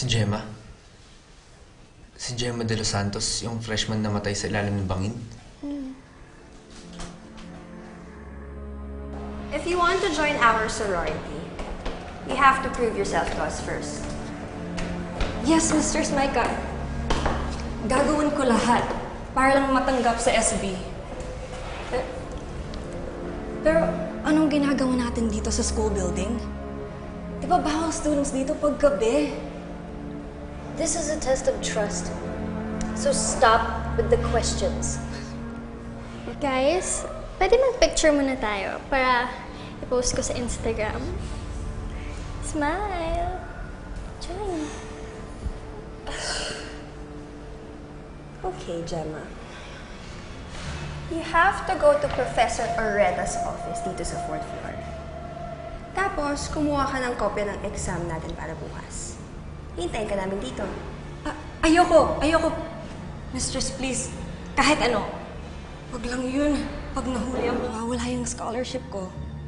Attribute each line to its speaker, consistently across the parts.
Speaker 1: Si Gemma. Si Gemma de los Santos, yung freshman na matay sa ilalim ng bangin.
Speaker 2: If you want to join our sorority, you have to prove yourself to us first.
Speaker 3: Yes, Mr. Micah. Gagawin ko lahat para lang matanggap sa SB. Pero anong ginagawa natin dito sa school building? Di ba bawal students dito pag gabi?
Speaker 4: This is a test of trust. So stop with the questions.
Speaker 5: Guys, pwede mag-picture muna tayo para i-post ko sa Instagram. Smile! Join!
Speaker 2: Okay, Gemma. You have to go to Professor Oreta's office dito sa 4th floor. Tapos, kumuha ka ng kopya ng exam natin para bukas. Hintayin ka namin dito.
Speaker 3: Ayoko! Mistress, please. Kahit ano. Wag lang yun. Pag nahuli ako, mawawala yung scholarship ko.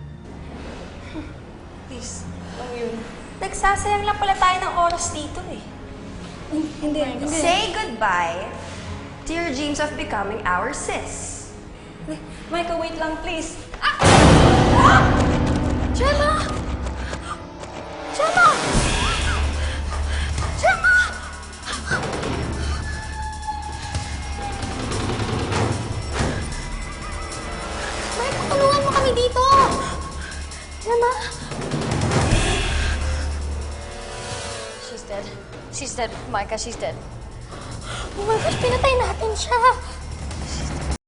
Speaker 3: Please. Lang yun.
Speaker 2: Nagsasayang lang pala tayo ng oras dito eh.
Speaker 3: Hindi.
Speaker 2: Say goodbye to your dreams of becoming our sis.
Speaker 3: Micah, wait lang, please.
Speaker 5: Gemma! Gemma! Gemma! Mike, tulungan mo kami dito! Gemma!
Speaker 4: She's dead. She's dead, Micah. She's dead.
Speaker 5: Oh my gosh, pinatay natin siya!